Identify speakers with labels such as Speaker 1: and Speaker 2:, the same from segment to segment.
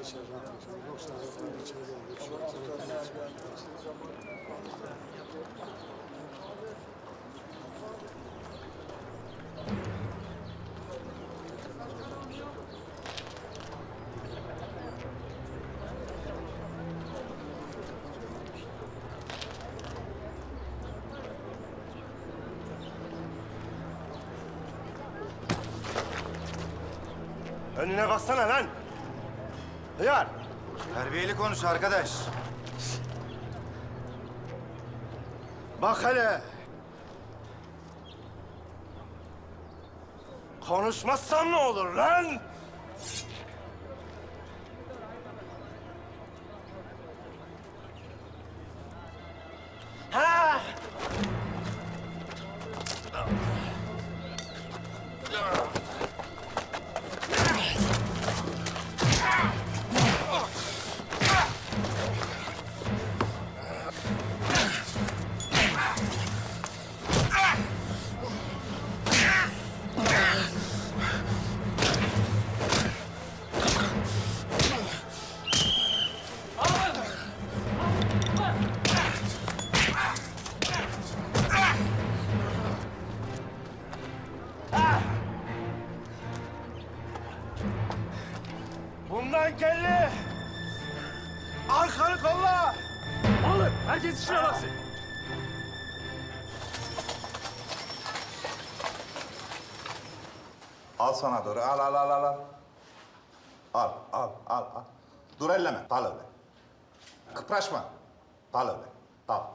Speaker 1: Önüne baksana lan! Hıyar!
Speaker 2: Terbiyeli konuş arkadaş.
Speaker 1: Bak hele! Konuşmazsan ne olur lan? Ha! Bundan kelli! Arkanı kolla!
Speaker 3: Alın, herkes işine baksın.
Speaker 2: Al sana doğru. Al. Al. Dur elleme. Dal öyle. Kıpraşma. Dal öyle. Dal.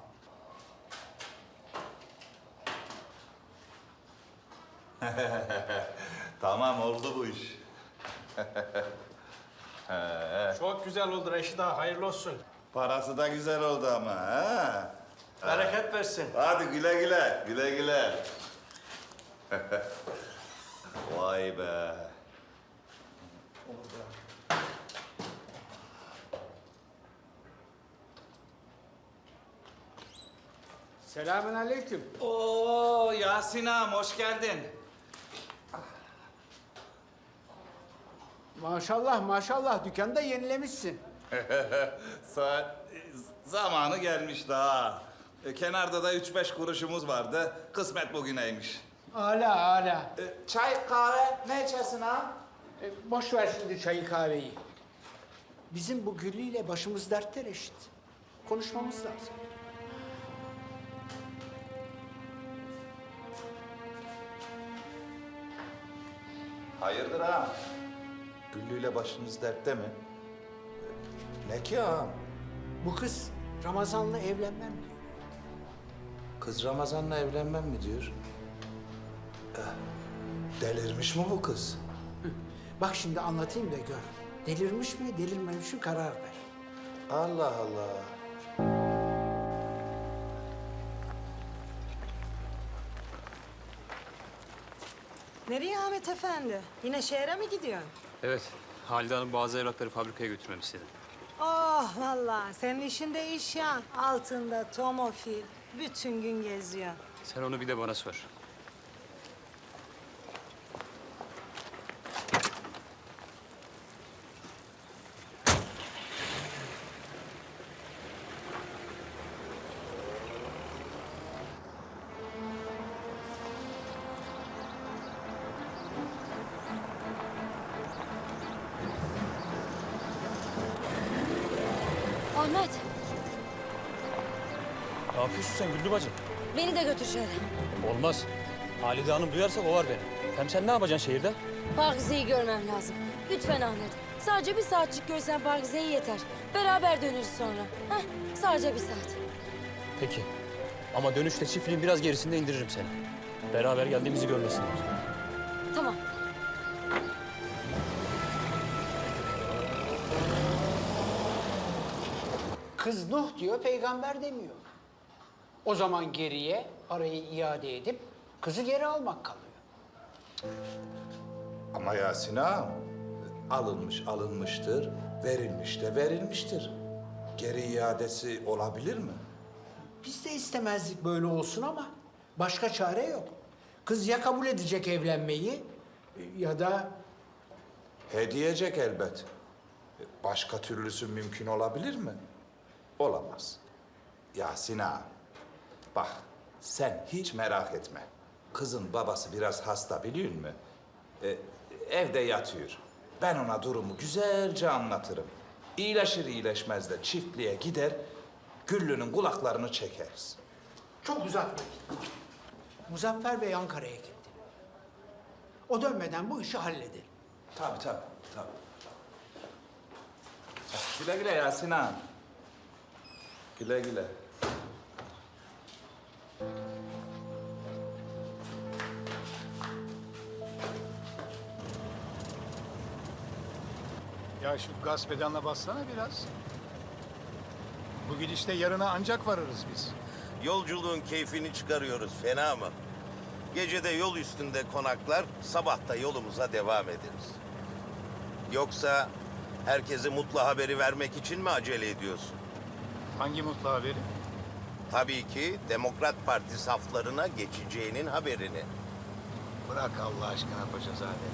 Speaker 2: Tamam oldu bu iş.
Speaker 3: Çok güzel oldu Reşit ağa, hayırlı olsun.
Speaker 2: Parası da güzel oldu ama ha.
Speaker 3: Bereket versin.
Speaker 2: Hadi güle güle. Güle güle. Vay be.
Speaker 4: Selamünaleyküm.
Speaker 5: Oo Yasin ağam hoş geldin.
Speaker 4: Maşallah dükkanda yenilemişsin.
Speaker 2: Saat zamanı gelmiş daha. Kenarda da 3-5 kuruşumuz vardı. Kısmet bugüneymiş.
Speaker 4: Âlâ.
Speaker 5: Çay, kahve ne içersin ağam?
Speaker 4: Boş ver şimdi çayı kahveyi. Bizim bu Güllü ile başımız dertte Reşit. Konuşmamız lazım.
Speaker 2: Hayırdır ağam? Güllü'yle başınız dertte mi? Ne ki ağam?
Speaker 4: Bu kız Ramazan'la evlenmem diyor.
Speaker 2: Kız Ramazan'la evlenmem mi diyor? Delirmiş mi bu kız?
Speaker 4: Bak şimdi anlatayım da gör. Delirmiş mi, delirmemiş mi karar ver.
Speaker 2: Allah Allah.
Speaker 6: Nereye Ahmet Efendi? Yine şehre mi gidiyorsun?
Speaker 3: Evet, Halide Hanım bazı evrakları fabrikaya götürmemi istedi.
Speaker 6: Oh vallahi senin işin de iş ya. Altında tomofil. Bütün gün geziyor.
Speaker 3: Sen onu bir de bana sor.
Speaker 7: Ahmet,
Speaker 3: Ne yapıyorsun sen Güllü bacı?
Speaker 7: beni de götür şehre.
Speaker 3: Olmaz. Halide Hanım duyarsa kovar beni. Hem sen ne yapacaksın şehirde?
Speaker 7: Pakize'yi görmem lazım. Lütfen Ahmet. Sadece bir saatçik görsen Pakize'yi yeter. Beraber döneriz sonra. Heh, sadece bir saat.
Speaker 3: Peki. Ama dönüşte çiftliğin biraz gerisinde indiririm seni. Beraber geldiğimizi görmesinler.
Speaker 7: Tamam.
Speaker 4: Kız Nuh diyor, peygamber demiyor. O zaman geriye parayı iade edip kızı geri almak kalıyor.
Speaker 2: Ama Yasin ağam, alınmıştır, verilmiş de verilmiştir. Geri iadesi olabilir mi?
Speaker 4: Biz de istemezdik böyle olsun ama başka çare yok. Kız ya kabul edecek evlenmeyi ya da
Speaker 2: Hediyecek elbet. Başka türlüsü mümkün olabilir mi? Olamaz. Yasin ağa, bak sen hiç merak etme. Kızın babası biraz hasta biliyor musun? Evde yatıyor. Ben ona durumu güzelce anlatırım. İyileşir iyileşmez de çiftliğe gider, Güllü'nün kulaklarını çekeriz.
Speaker 4: Çok uzatmayın. Muzaffer Bey Ankara'ya gitti. O dönmeden bu işi halledelim.
Speaker 2: Tabii. Güle güle Yasin ağa. Güle güle.
Speaker 8: Ya şu gaz pedalına bassana biraz. Bu gidişte yarına ancak varırız biz.
Speaker 9: Yolculuğun keyfini çıkarıyoruz, fena mı? Gece de yol üstünde konaklar, sabah da yolumuza devam ederiz. Yoksa herkese mutlu haberi vermek için mi acele ediyorsun?
Speaker 8: Hangi mutlu haberi?
Speaker 9: Tabii ki Demokrat Parti saflarına geçeceğinin haberini.
Speaker 8: Bırak Allah aşkına Paşazade.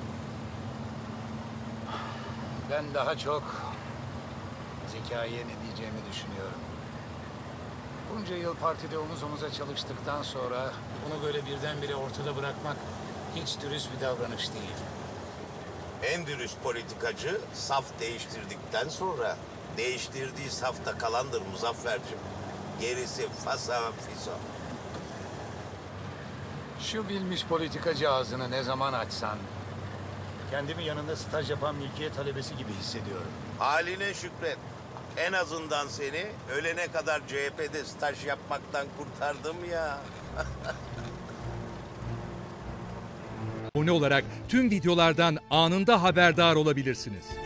Speaker 8: Ben daha çok Zekai'ye ne diyeceğimi düşünüyorum. Bunca yıl partide omuz omuza çalıştıktan sonra bunu böyle birdenbire ortada bırakmak hiç dürüst bir davranış değil.
Speaker 9: En dürüst politikacı saf değiştirdikten sonra değiştirdiği safta kalandır Muzaffer'cim. Gerisi fasa fiso.
Speaker 8: Şu bilmiş politikacı ağzını ne zaman açsan kendimi yanında staj yapan mülkiye talebesi gibi hissediyorum.
Speaker 9: Haline şükret. En azından seni ölene kadar CHP'de staj yapmaktan kurtardım ya.
Speaker 10: Abone olarak tüm videolardan anında haberdar olabilirsiniz.